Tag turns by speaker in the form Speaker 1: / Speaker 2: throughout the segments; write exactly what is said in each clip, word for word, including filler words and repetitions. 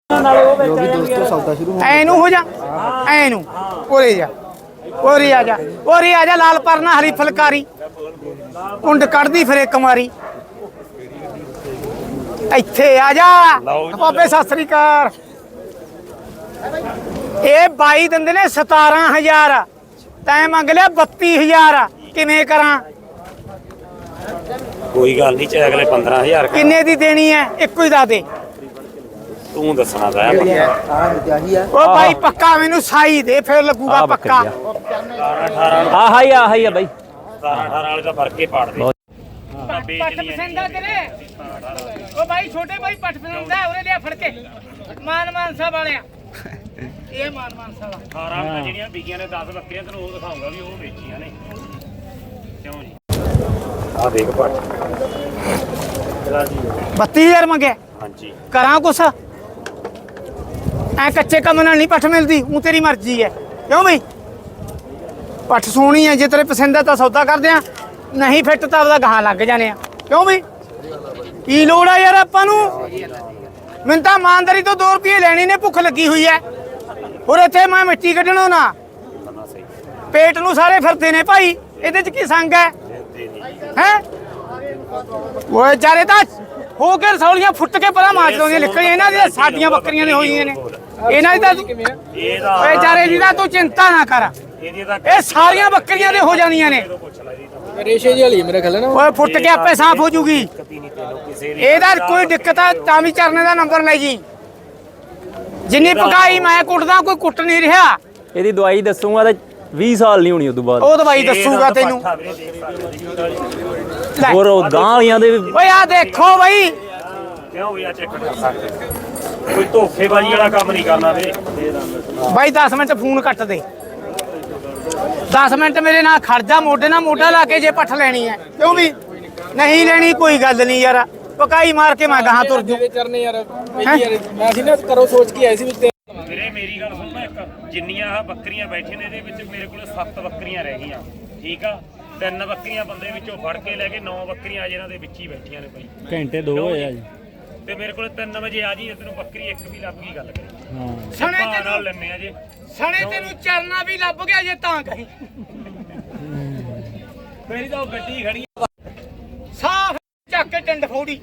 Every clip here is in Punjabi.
Speaker 1: जो भी दोस्तों सौदा शुरू हो
Speaker 2: ਐਨੂੰ ਹੋ ਜਾ ਐਨੂੰ ਉਰੇ ਜਾ ਉਰੇ ਆ ਜਾ ਉਰੇ ਆ ਜਾ ਲਾਲ ਪਰਨਾ ਹਰੀ ਫੁਲਕਾਰੀ ਕੁੰਡ ਕੱਢਦੀ ਫਿਰੇ ਕੁਮਾਰੀ ਇੱਥੇ ਆ ਜਾ ਬਾਬੇ ਸਤਿ ਸ੍ਰੀ ਅਕਾਲ ਇਹ ਬਾਈ ਦਿੰਦੇ ਨੇ ਸਤਾਰਾਂ ਹਜ਼ਾਰ ਤੈਂ ਮੰਗ ਲਿਆ ਬੱਤੀ ਹਜ਼ਾਰ ਕਿਵੇਂ ਕਰਾਂ
Speaker 3: ਕੋਈ ਗੱਲ ਨਹੀਂ ਚਾਹੇ ਅਗਲੇ ਪੰਦਰਾਂ ਹਜ਼ਾਰ
Speaker 2: ਕਿੰਨੇ ਦੀ ਦੇਣੀ ਹੈ ਇੱਕੋ ਹੀ ਦੱਸ ਦੇ
Speaker 3: ਤੂੰ ਦੱਸਣਾ ਤਾਂ
Speaker 2: ਉਹ ਬਾਈ ਪੱਕਾ ਮੈਨੂੰ ਸਾਈ ਦੇ ਫਿਰ ਲੱਗੂਗਾ ਪੱਕਾ
Speaker 3: ਹਾਂ ਹਾਈ ਆ ਹਾਈ ਆ ਬਾਈ ਸਤਾਰਾਂ ਅਠਾਰਾਂ ਵਾਲੇ ਦਾ ਫਰਕ ਹੀ ਪਾੜ ਦੇ
Speaker 2: ਪੱਟ ਪਸੰਦ ਆ ਤੇਰੇ ਉਹ ਬਾਈ ਛੋਟੇ ਬਾਈ ਪੱਟ ਪਸੰਦ ਆ ਉਰੇ ਲਿਆ ਫੜ ਕੇ ਮਾਨ ਮਾਨਸਾ ਵਾਲਿਆ ਇਹ ਮਾਨ ਮਾਨਸਾ ਵਾਲਾ
Speaker 3: ਅਠਾਰਾਂ ਵਾਲੇ ਜਿਹੜੀਆਂ ਵਿਕੀਆਂ ਨੇ ਦਸ ਬੱਕਰੀਆਂ ਤੈਨੂੰ ਉਹ ਦਿਖਾਉਂਗਾ ਵੀ ਉਹ ਵੇਚੀਆਂ ਨੇ ਕਿਉਂ ਜੀ ਆ ਦੇਖ ਪੱਟ
Speaker 2: ਬੱਤੀ ਹਜ਼ਾਰ ਮੰਗਿਆ
Speaker 3: ਹਾਂਜੀ
Speaker 2: ਕਰਾਂ ਕੁਛ ਐ ਕੱਚੇ ਕੰਮ ਨਾਲ ਨਹੀਂ ਪੱਠ ਮਿਲਦੀ ਉਹ ਤੇਰੀ ਮਰਜ਼ੀ ਹੈ ਕਿਉਂ ਬਈ ਪੱਠ ਸੋਹਣੀ ਹੈ ਜੇ ਤੇਰੇ ਪਸੰਦ ਹੈ ਤਾਂ ਸੌਦਾ ਕਰਦੇ ਆ ਨਹੀਂ ਫਿੱਟ ਤਾਂ ਉਹਦਾ ਗਾਹਾਂ ਲੱਗ ਜਾਣੇ ਆ ਕਿਉਂ ਬਈ ਕੀ ਲੋੜ ਆ ਯਾਰ ਆਪਾਂ ਨੂੰ ਮੈਨੂੰ ਤਾਂ ਇਮਾਨਦਾਰੀ ਤੋਂ ਦੋ ਰੁਪਏ ਲੈਣੀ ਨੇ ਭੁੱਖ ਲੱਗੀ ਹੋਈ ਹੈ ਹੋਰ ਇੱਥੇ ਮੈਂ ਮਿੱਟੀ ਕੱਢਣਾ ਨਾ ਪੇਟ ਨੂੰ ਸਾਰੇ ਫਿਰਦੇ ਨੇ ਭਾਈ ਇਹਦੇ ਚ ਕੀ ਸੰਗ ਹੈ ਹੈ ਉਹ ਜਾਰੇ ਤਾਂ ਹੋ ਕੇ ਰਸੌਲੀਆਂ ਫੁੱਟ ਕੇ ਪਰਾਂ ਮਾਰ ਲਾਉਂਦੀਆਂ ਨਿਕਲੀਆਂ ਇਹਨਾਂ ਦੀਆਂ ਸਾਡੀਆਂ ਬੱਕਰੀਆਂ ਨੇ ਹੋਈਆਂ ਨੇ ਇਹਨਾਂ ਦੀ ਤਾਂ ਓਏ ਜਾਰੇ ਦੀ ਤਾਂ ਤੂੰ ਚਿੰਤਾ ਨਾ ਕਰ ਇਹ ਸਾਰੀਆਂ ਬੱਕਰੀਆਂ ਦੇ ਹੋ ਜਾਂਦੀਆਂ ਨੇ
Speaker 1: रेशे जी वाली मेरा ख्याल है ना
Speaker 2: ਓਏ ਫੁੱਟ ਕੇ ਆਪੇ ਸਾਫ਼ ਹੋ ਜੂਗੀ ਇਹਦਾ ਕੋਈ ਦਿੱਕਤ ਆ ਤਾਂ ਵੀ ਚਰਨੇ ਦਾ ਨੰਬਰ ਲੈ ਜੀ ਜਿੰਨੀ ਪਕਾਈ ਮੈਂ ਕੁੱਟਦਾ ਕੋਈ ਕੁੱਟ ਨਹੀਂ ਰਿਹਾ
Speaker 4: ਇਹਦੀ ਦਵਾਈ ਦੱਸੂਗਾ ਤਾਂ ਵੀਹ ਸਾਲ ਨਹੀਂ ਹੋਣੀ ਉਦੋਂ ਬਾਅਦ
Speaker 2: ਉਹ ਦਵਾਈ ਦੱਸੂਗਾ ਤੈਨੂੰ
Speaker 4: ਹੋਰ ਉਹ ਗਾਂ ਵਾਲੀਆਂ ਦੇ ਵੀ
Speaker 2: ਓਏ ਆ ਦੇਖੋ ਬਈ
Speaker 3: ਕਿਉਂ ਵੀ ਆ ਚੈੱਕ ਕਰ ਸਕਦੇ ਕੋਈ ਧੋਖੇਬਾਜ਼ੀ ਵਾਲਾ ਕੰਮ ਨਹੀਂ ਕਰਨਾ ਵੀਰੇ
Speaker 2: ਬਾਈ ਦਸ ਮਿੰਟ ਫੋਨ ਕੱਟ ਦੇ ਦਸ ਮਿੰਟ ਮੇਰੇ ਨਾਲ ਖੜ ਜਾ ਮੋਢੇ ਨਾਲ ਮੋਢਾ ਲਾ ਕੇ ਜੇ ਪੱਠ ਲੈਣੀ ਹੈ ਕਿਉਂ ਵੀ ਨਹੀਂ ਲੈਣੀ ਕੋਈ ਗੱਲ ਨਹੀਂ ਯਾਰ ਪਕਾਈ ਮਾਰ ਕੇ ਮੈਂ ਗਾਹਾਂ ਤੁਰ ਜੂ
Speaker 1: चरने यार मैं सी ना करो सोच के आई सी
Speaker 3: ਵੀਰੇ ਮੇਰੀ ਗੱਲ ਸੁਣਨਾ ਇੱਕ ਜਿੰਨੀਆਂ ਆ ਬੱਕਰੀਆਂ ਬੈਠੀਆਂ ਨੇ ਇਹਦੇ ਵਿੱਚ ਮੇਰੇ ਕੋਲ ਸੱਤ ਬੱਕਰੀਆਂ ਰਹਿ ਗਈਆਂ ਠੀਕ ਆ ਤਿੰਨ ਬੱਕਰੀਆਂ ਬੰਦੇ ਵਿੱਚੋਂ ਫੜ ਕੇ ਲੈ ਕੇ ਨੌ ਬੱਕਰੀਆਂ ਅਜੇ ਇਹਨਾਂ ਦੇ ਵਿੱਚ ਹੀ ਬੈਠੀਆਂ ਨੇ ਭਾਈ
Speaker 4: ਘੰਟੇ ਦੋ ਹੋਏ ਆ ਜੀ
Speaker 3: ਤੇ ਮੇਰੇ ਕੋਲ ਤਿੰਨ ਵਜੇ ਆ ਜੀ ਤੈਨੂੰ ਬੱਕਰੀ ਇੱਕ ਵੀ ਲੱਭ ਗਈ ਗੱਲ ਕਰੀ
Speaker 4: ਹਾਂ
Speaker 2: ਸਣੇ
Speaker 3: ਭਾਅ ਨਾਲ
Speaker 2: ਤੈਨੂੰ
Speaker 3: ਲੈਣੇ ਆ ਜੇ
Speaker 2: ਸਣੇ ਤੈਨੂੰ ਚਰਨਾ ਵੀ ਲੱਭ ਗਿਆ ਜੇ ਤਾਂ ਕਹੀਂ
Speaker 3: ਮੇਰੀ ਤਾਂ ਉਹ ਗੱਡੀ ਖੜੀ
Speaker 2: ਸਾਫ ਚੱਕ ਕੇ ਟੰਡ ਫੋੜੀ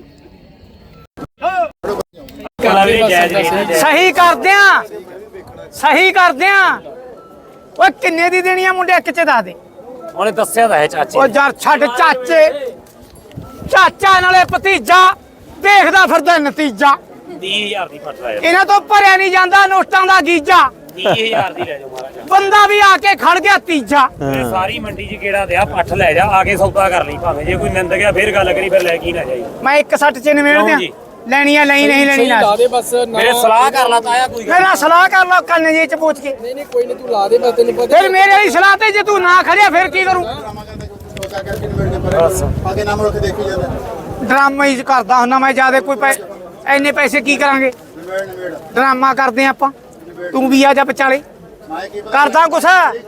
Speaker 2: ਸਹੀ ਕਰਦੇ ਆ ਸਹੀ ਕਰਦੇ ਆ ਓਏ ਕਿੰਨੇ ਦੀ ਦੇਣੀ ਆ ਮੁੰਡੇ ਇੱਕ ਚ ਦੱਸ ਦੇ
Speaker 3: ਉਹਨੇ ਦੱਸਿਆ ਤਾਂ ਹੈ ਚਾਚੀ
Speaker 2: ਓ ਯਾਰ ਛੱਡ ਚਾਚੇ ਚਾਚਾ ਨਾਲੇ ਭਤੀਜਾ ਦੇਖਦਾ ਫਿਰਦਾ ਨਤੀਜਾ
Speaker 3: ਤੀਹ ਹਜ਼ਾਰ ਦੀ ਫਟ ਲਾਇਆ
Speaker 2: ਇਹਨਾਂ ਤੋਂ ਭਰਿਆ ਨਹੀਂ ਜਾਂਦਾ ਨੋਟਾਂ ਦਾ ਗੀਜਾ
Speaker 3: ਤੀਹ ਹਜ਼ਾਰ ਦੀ ਲੈ ਜਾਓ ਮਹਾਰਾਜ
Speaker 2: ਬੰਦਾ ਵੀ ਆ ਕੇ ਖੜ ਗਿਆ ਤੀਜਾ
Speaker 3: ਇਹ ਸਾਰੀ ਮੰਡੀ 'ਚ ਕਿਹੜਾ ਦਿਆ ਪੱਠ ਲੈ ਜਾ ਆ ਕੇ ਸੌਦਾ ਕਰ ਲਈ ਭਾਵੇਂ ਜੇ ਕੋਈ ਨਿੰਦ ਗਿਆ ਫੇਰ ਗੱਲ ਕਰੀ ਫਿਰ ਲੈ ਕੀ ਨਾ ਜਾਈ
Speaker 2: ਮੈਂ ਇੱਕ ਸੱਟ ਚ ਨਿਮੇੜ ਦਿਆਂ
Speaker 3: ਜੀ।
Speaker 2: ਲੈਣੀ ਆ ਲਈ ਨਹੀਂ ਲੈਣੀ ਨਾ
Speaker 1: ला दे बस ना
Speaker 3: ਮੇਰੇ ਸਲਾਹ ਕਰ ਲਾ ਤਾਇਆ ਕੋਈ
Speaker 2: ਮੇਰਾ ਸਲਾਹ ਕਰ ਲਓ ਕੰਨ ਜੇ ਚ ਪੁੱਛ ਕੇ
Speaker 1: नहीं नहीं कोई नहीं तू ला दे बस तेन पता
Speaker 2: ਫਿਰ ਮੇਰੇ ਵਾਲੀ ਸਲਾਹ ਤੇ ਜੇ ਤੂੰ ਨਾ ਖੜਿਆ ਫਿਰ ਕੀ ਕਰੂੰ
Speaker 5: आगे नाम रख देखी जाता
Speaker 2: ਡਰਾਮਾ ਹੀ ਕਰਦਾ ਹੁੰਦਾ ਮੈਂ ਜਿਆਦਾ ਕੋਈ ਪੈ ਐਨੇ ਪੈਸੇ ਕੀ ਕਰਾਂਗੇ ਡਰਾਮਾ ਕਰਦੇ ਆਪਾਂ ਤੂੰ ਵੀ ਆ ਜਾ ਵਿਚਾਲੇ ਕਰਦਾ ਕੁਛ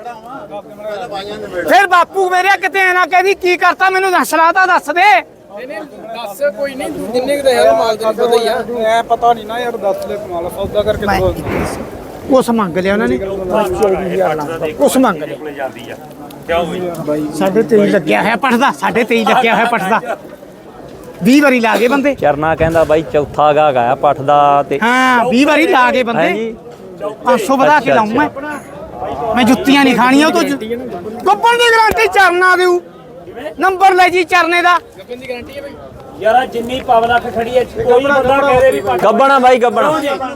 Speaker 2: ਫਿਰ ਬਾਪੂ ਮੇਰੇ ਕਿਤੇ ਨਾ ਕਹਿੰਦੀ ਕੀ ਕਰਤਾ ਮੈਨੂੰ ਦੱਸ ਸਲਾਹ ਤਾਂ ਦੱਸ ਦੇ
Speaker 1: नहीं नहीं दस कोई नहीं तू जिन्ने के है माल तेन पता ही है
Speaker 5: है पता नहीं ना यार दस ले कमाल सौदा करके
Speaker 2: ਮੈਂ ਕੁਛ ਮੰਗ ਲਿਆ ਉਹਨਾਂ ਨੇ ਕੁਛ ਮੰਗ ਲਿਆ
Speaker 3: ਕੋਲੇ ਜਾਂਦੀ ਆ ਕਿਉਂ ਹੋਈ
Speaker 2: ਸਾਡੇ ਤੇਈ ਲੱਗਿਆ ਹੋਇਆ ਪੜਦਾ ਸਾਡੇ ਤੇਈ ਲੱਗਿਆ ਹੋਇਆ ਪੜਦਾ ਵੀਹ ਵਾਰੀ ਲਾ ਗਏ ਬੰਦੇ
Speaker 4: ਚਰਨਾ ਕਹਿੰਦਾ ਬਾਈ ਚੌਥਾ ਗਾਹਕ ਆਇਆ ਪੱਠ ਦਾ ਤੇ
Speaker 2: ਹਾਂ ਵੀਹ ਵਾਰੀ ਲਾ ਗਏ ਬੰਦੇ
Speaker 4: ਹਾਂਜੀ
Speaker 2: ਪੰਜ ਸੌ ਵਧਾ ਕੇ ਲਾਉਂ ਮੈਂ ਮੈਂ ਜੁੱਤੀਆਂ ਨਹੀਂ ਖਾਣੀਆਂ ਉਹ ਤੋਂ ਗੱਪਣ ਦੀ ਗਾਰੰਟੀ ਚਰਨਾ ਦੇਊ ਨੰਬਰ ਲੈ ਜੀ ਚਰਨੇ ਦਾ
Speaker 1: गप्पन की गारंटी है भाई
Speaker 3: ਯਾਰ ਜਿੰਨੀ ਪਬਲਿਕ ਖੜੀ ਐ ਕੋਈ ਬੰਦਾ ਕਹਦੇ ਵੀ ਪੱਠ
Speaker 4: ਗੱਬਣਾ ਬਾਈ ਗੱਬਣਾ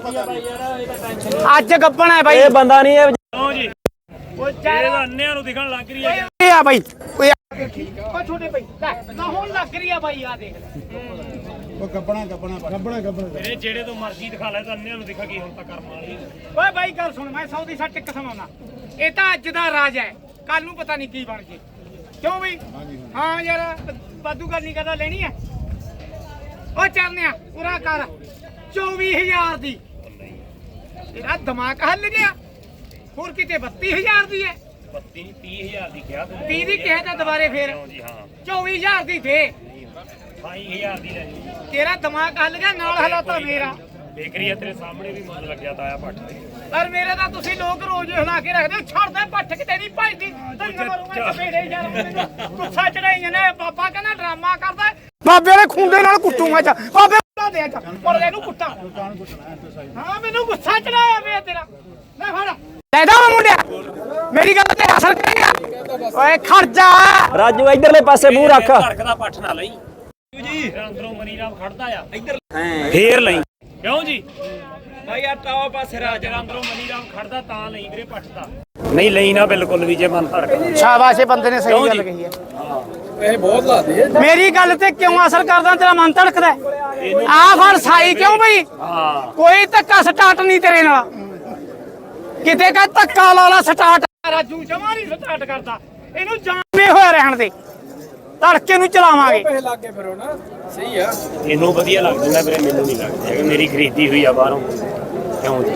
Speaker 2: ਅੱਜ ਗੱਪਣ ਹੈ ਬਾਈ
Speaker 4: ਇਹ ਬੰਦਾ ਨਹੀਂ ਇਹ
Speaker 3: ਕਿਉਂ ਜੀ ਉਹ ਚਾਰੇ ਦਾ ਅੰਨਿਆਂ ਨੂੰ ਦਿਖਣ ਲੱਗ ਰਹੀ ਹੈ
Speaker 2: ਇਹ ਆ ਬਾਈ ਓਏ ਆ ਓ ਛੋਟੇ ਬਾਈ ਲੈ ਨਾ ਹੁਣ ਲੱਗ ਰਹੀ ਆ ਬਾਈ ਆ ਦੇਖ ਲੈ
Speaker 5: वो गबना गबना गबना गबना
Speaker 3: ਮੇਰੇ ਜਿਹੜੇ ਤੋਂ ਮਰਜ਼ੀ ਦਿਖਾ ਲੈ ਤਾਂ ਅੰਨਿਆਂ ਨੂੰ ਦਿਖਾ ਕੀ ਹੁਣ ਤਾਂ ਕਰਮ ਵਾਲੀ
Speaker 2: ਓਏ ਬਾਈ ਗੱਲ ਸੁਣ ਮੈਂ ਸੌ ਦੀ ਸੱਟ ਇੱਕ ਸੁਣਾਉਣਾ ਇਹ ਤਾਂ ਅੱਜ ਦਾ ਰਾਜ ਹੈ ਕੱਲ ਨੂੰ ਪਤਾ ਨਹੀਂ ਕੀ ਬਣ ਜੇ ਕਿਉਂ ਬਈ ਹਾਂ ਯਾਰ ਬਾਦੂ ਗੱਲ ਨਹੀਂ ਕਰਦਾ ਲੈਣੀ ਹੈ ਓ ਚਰਨਿਆ ਪੂਰਾ ਕਰ ਚੌਵੀ ਹਜ਼ਾਰ ਦੀ ਤੇਰਾ ਦਿਮਾਗ ਹੱਲ ਗਿਆ ਹੋਰ ਕਿਤੇ ਬੱਤੀ ਹਜ਼ਾਰ ਦੀ ਹੈ
Speaker 3: ਬੱਤੀ ਤੀਹ ਹਜ਼ਾਰ ਦੀ ਕਿਹਾ ਤੂੰ
Speaker 2: ਤੀਹ ਦੀ ਕਿਹਾ ਤਾਂ ਦੁਬਾਰੇ ਫੇਰ
Speaker 3: ਜੀ ਹਾਂ
Speaker 2: ਚੌਵੀ ਹਜ਼ਾਰ ਦੀ ਦੇ
Speaker 3: ਅਠਾਈ ਹਜ਼ਾਰ ਦੀ ਲੈ ਜੀ
Speaker 2: ਤੇਰਾ ਦਿਮਾਗ ਹੱਲ ਗਿਆ ਨਾਲ ਹਲਾਤਾ ਮੇਰਾ
Speaker 3: ਬੇਕਰੀ ਆ ਤੇਰੇ ਸਾਹਮਣੇ ਵੀ ਮੁੱਲ ਲੱਗਿਆ ਤਾਇਆ ਪੱਠ ਤੇ
Speaker 2: ਪਰ ਮੇਰੇ ਤਾਂ ਤੁਸੀਂ ਲੋਕ ਰੋਜ਼ ਹਿਲਾ ਕੇ ਰੱਖਦੇ ਹੋ, ਛੱਡਦੇ ਪੱਠ ਕਿਤੇ ਨਹੀਂ ਭਜਦੀ ਤੈਨੂੰ ਮਰੂੰਗਾ ਚਪੇੜੇ ਯਾਰ ਮੈਨੂੰ ਗੁੱਸਾ ਚੜਾਈਆਂ ਨੇ ਬਾਬਾ ਕਹਿੰਦਾ ਡਰਾਮਾ ਕਰਦਾ ਬਾਬੇ ਦੇ ਖੁੰਡੇ ਨਾਲ ਕੁੱਟੂਗਾ ਚ ਬਾਬੇ ਬੁਲਾ ਦੇ ਚ ਪਰ ਇਹਨੂੰ ਕੁੱਟਾਂ ਹਾਂ ਮੈਨੂੰ ਗੁੱਸਾ ਚੜਾਇਆ ਵੇ ਤੇਰਾ ਲੈ ਫੜ ਲੈ ਦਾ ਮੁੰਡਿਆ ਮੇਰੀ ਗੱਲ ਤੇ ਅਸਰ ਕਰੇਗਾ ਓਏ ਖੜ ਜਾ
Speaker 4: ਰਾਜੂ ਇਧਰਲੇ ਪਾਸੇ ਮੂੰਹ ਰੱਖ
Speaker 3: ਧੜਕਦਾ ਪੱਠ ਨਾ ਲਈ ਜੀ ਅੰਦਰੋਂ ਮਨੀ ਰਾਮ ਖੜਦਾ ਆ ਇੱਧਰ ਫੇਰ ਲਈ ਕਿਉਂ ਜੀ ਭਾਈ ਆ ਟਾਵਾ ਪਾਸੇ ਰਾਜ ਅੰਦਰੋਂ ਮਨੀ ਰਾਮ ਖੜਦਾ ਤਾਂ ਲਈ ਵੀਰੇ ਪੱਠ ਦਾ ਨਹੀਂ ਲਈ ਨਾ ਬਿਲਕੁਲ ਵੀ ਜੇ ਮਨ ਧੜਕਦਾ
Speaker 2: ਸ਼ਾਬਾਸ਼ ਇਹ ਬੰਦੇ ਨੇ ਸਹੀ ਗੱਲ ਕਹੀ ਹੈ
Speaker 1: ਇਹ ਬਹੁਤ ਲਾਦੇ
Speaker 2: ਮੇਰੀ ਗੱਲ ਤੇ ਕਿਉਂ ਅਸਰ ਕਰਦਾ ਤੇਰਾ ਮਨ ਧੜਕਦਾ ਆ ਫੜ ਸਾਈ ਕਿਉਂ ਬਈ
Speaker 3: ਹਾਂ
Speaker 2: ਕੋਈ ਧੱਕਾ ਸਟਾਰਟ ਨਹੀਂ ਤੇਰੇ ਨਾਲ ਕਿਤੇ ਕਾ ਧੱਕਾ ਲਾ ਲਾ ਸਟਾਰਟ ਰਾਜੂ ਜਮਾ ਨਹੀਂ ਸਟਾਰਟ ਕਰਦਾ ਇਹਨੂੰ ਜਾਮੇ ਹੋਇਆ ਰਹਿਣ ਦੇ ਧੜਕੇ ਨੂੰ ਚਲਾਵਾਂਗੇ
Speaker 1: ਪੈਸੇ ਲੱਗੇ ਫਿਰ ਹੁਣ ਸਹੀ ਆ
Speaker 3: ਇਹਨੂੰ ਵਧੀਆ ਲੱਗ ਜਾਂਦਾ ਵੀਰੇ ਮੈਨੂੰ ਨਹੀਂ ਲੱਗਦਾ ਹੈਗਾ ਮੇਰੀ ਖਰੀਦੀ ਹੋਈ ਆ ਬਾਹਰੋਂ ਕਿਉਂ ਜੀ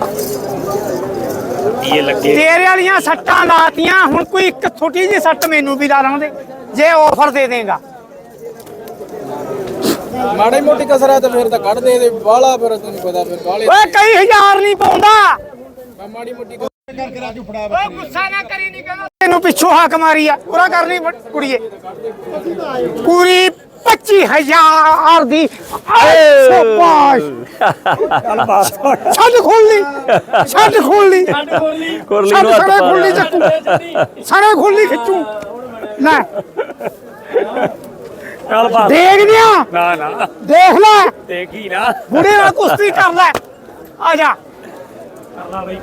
Speaker 3: ਇਹ ਲੱਗੇ
Speaker 2: ਤੇਰੇ ਵਾਲੀਆਂ ਸੱਟਾਂ ਲਾਤੀਆਂ ਹੁਣ ਕੋਈ ਇੱਕ ਛੋਟੀ ਜਿਹੀ ਸੱਟ ਮੈਨੂੰ ਵੀ ਲਾ ਲਾਉਂਦੇ ਜੇ ਆਫਰ ਦੇ ਦੇਗਾ
Speaker 1: ਮਾੜੀ ਮੋਟੀ ਕਸਰ ਤੇ ਫਿਰ ਤਾਂ ਕੱਢ ਦੇ ਦੇ ਬਾਲਾ ਫਿਰ ਤੈਨੂੰ ਪਤਾ ਫਿਰ ਬਾਲੇ
Speaker 2: ਓਏ ਕਈ ਹਜ਼ਾਰ ਨਹੀਂ ਪਾਉਂਦਾ
Speaker 1: ਮਾੜੀ ਮੋਟੀ
Speaker 5: ਕਰਕੇ ਰਾਜੂ ਫੜਾ
Speaker 2: ਓਏ ਗੁੱਸਾ ਨਾ ਕਰੀ ਨਹੀਂ ਕਹਿੰਦਾ ਤੈਨੂੰ ਪਿੱਛੋਂ ਹਾਕ ਮਾਰੀ ਆ ਪੂਰਾ ਕਰਨੀ ਕੁੜੀਏ ਪੂਰੀ ਪੱਚੀ ਹਜ਼ਾਰ ਦੀ ਸ਼ਾਬਾਸ਼ ਛੱਡ ਖੋਲੀ ਛੱਡ ਖੋਲੀ
Speaker 4: ਕੁਰਲੀ
Speaker 2: ਛੱਡ
Speaker 4: ਨੂੰ ਹੱਥ
Speaker 2: ਸਾਰੇ
Speaker 4: ਪਾ
Speaker 2: ਖੋਲੀ
Speaker 4: ਲਿਆ।
Speaker 2: ਚੱਕੂ ਸਾਰੇ ਖੋਲੀ ਖਿੱਚੂ ਲੈ
Speaker 3: ਚੱਲ ਬਾਤ
Speaker 2: ਦੇਖ ਦਿਆਂ
Speaker 3: ਨਾ ਨਾ
Speaker 2: ਦੇਖ ਲੈ
Speaker 3: ਦੇਖੀ ਨਾ
Speaker 2: ਬੁੜੇ ਨਾਲ ਕੁਸ਼ਤੀ ਕਰ ਲੈ ਆ ਜਾ
Speaker 3: ਕਰਲਾ ਬਈ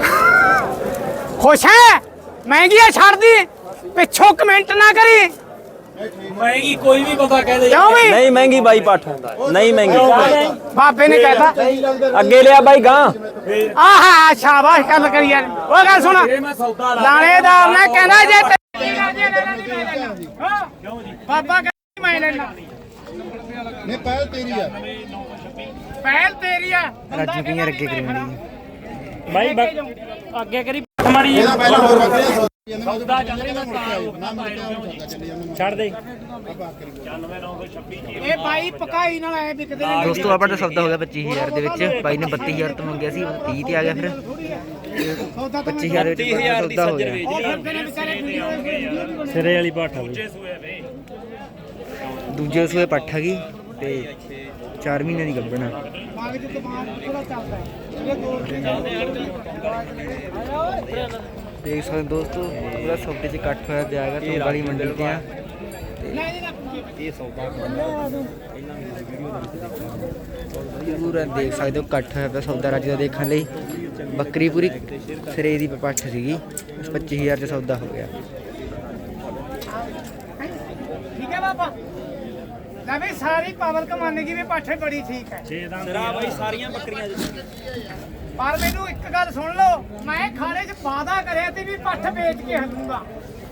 Speaker 2: ਖੁਸ਼ ਹੈ ਮਹਿੰਗੀ ਆ ਛੱਡਦੀ ਪਿੱਛੋਂ ਕਮੈਂਟ ਨਾ ਕਰੀ
Speaker 3: ਮਹਿੰਗੀ ਕੋਈ ਵੀ ਬੰਦਾ ਕਹਿ ਦੇ
Speaker 2: ਕਿਉਂ ਵੀ
Speaker 4: ਨਹੀਂ ਮਹਿੰਗੀ ਬਾਈ ਪੱਠ ਨਹੀਂ ਮਹਿੰਗੀ
Speaker 2: ਬਾਬੇ ਨੇ ਕਹਿਤਾ
Speaker 4: ਅੱਗੇ ਲਿਆ ਬਾਈ ਗਾਂ
Speaker 2: ਆਹਾ ਸ਼ਾਬਾਸ਼ ਗੱਲ ਕਰੀ ਯਾਰ ਉਹ ਗੱਲ ਸੁਣ
Speaker 3: ਮੈਂ ਸੌਦਾ ਲਾ
Speaker 2: ਲਾਣੇਦਾਰ ਨੇ ਕਹਿੰਦਾ ਜੇ ਤੇ ਬਾਬਾ ਕਹਿੰਦਾ ਮੈਂ ਲੈਣਾ
Speaker 5: ਨਹੀਂ ਪਹਿਲ ਤੇਰੀ ਆ
Speaker 2: ਪਹਿਲ ਤੇਰੀ ਆ
Speaker 6: ਰਾਜੂ ਕੀ ਅੱਗੇ ਕਰੀ
Speaker 3: ਬਾਈ ਅੱਗੇ ਕਰੀ ਮਾੜੀ
Speaker 5: ਇਹਦਾ ਪਹਿਲਾਂ ਹੋਰ ਬੱਕਰੀਆਂ
Speaker 3: ਸੌਦਾ ਚੱਲ ਰਿਹਾ ਛੱਡ ਦੇ ਚਾਨਵੇਂ ਨੌ ਸੌ ਛੱਬੀ
Speaker 2: ਇਹ ਬਾਈ ਪਕਾਈ ਨਾਲ ਐ ਵਿਕਦੇ ਨੇ
Speaker 6: ਦੋਸਤੋ ਆਪਣਾ ਤਾਂ ਸੌਦਾ ਹੋ ਗਿਆ ਪੱਚੀ ਹਜ਼ਾਰ ਦੇ ਵਿੱਚ ਬਾਈ ਨੇ ਬੱਤੀ ਹਜ਼ਾਰ ਤੋਂ ਮੰਗਿਆ ਸੀ ਉਹ ਤੀਹ ਤੇ ਆ ਗਿਆ ਫਿਰ ਪੱਚੀ ਹਜ਼ਾਰ ਦੇ ਵਿੱਚ ਆਪਣਾ ਸੌਦਾ ਹੋ ਗਿਆ
Speaker 3: ਸਿਰੇ ਵਾਲੀ ਪਾਠਾ ਦੂਜੇ ਸੂਏ ਵੇ
Speaker 6: ਦੂਜੇ ਸੂਏ ਪੱਠ ਆ ਗਈ ਤੇ ਚਾਰ ਮਹੀਨੇ ਦੀ ਗੱਭਣਾ
Speaker 2: ਮਾਗ ਚ ਦਿਮਾਗ ਪੂਰਾ ਚੱਲਦਾ ਇਹ ਦੋ
Speaker 6: ਦੇਖ ਸਕਦੇ ਹੋ ਦੋਸਤੋ ਪੂਰਾ ਸੌਦੇ 'ਚ ਇਕੱਠ ਹੋਇਆ ਪਿਆ ਹੈਗਾ ਤੋਂ ਵਾਲੀ ਮੰਡੀ ਤੇ ਆ ਪੂਰਾ ਦੇਖ ਸਕਦੇ ਹੋ ਇਕੱਠ ਹੋਇਆ ਪਿਆ ਸੌਦਾ ਰਾਜੂ ਦਾ ਦੇਖਣ ਲਈ ਬੱਕਰੀ ਪੂਰੀ ਸਿਰੇ ਦੀ ਪੱਠ ਸੀਗੀ ਪੱਚੀ ਹਜ਼ਾਰ 'ਚ ਸੌਦਾ ਹੋ ਗਿਆ
Speaker 2: ਠੀਕ ਹੈ ਬਾਬਾ ਲੈ ਵੀ ਸਾਰੀ ਪਬਲਿਕ ਮੰਨ ਗਈ ਵੀ ਪਾਠੇ ਬੜੀ ਠੀਕ ਹੈ
Speaker 3: ਤੇਰਾ ਬਾਈ ਸਾਰੀਆਂ ਬੱਕਰੀਆਂ
Speaker 2: ਪਰ ਮੈਨੂੰ ਇੱਕ ਗੱਲ ਸੁਣ ਲਓ ਮੈਂ ਖਾਣੇ 'ਚ ਵਾਅਦਾ ਕਰਿਆ ਤੇ ਵੀ ਪੱਠ ਵੇਚ ਕੇ ਹਲੂੰਗਾ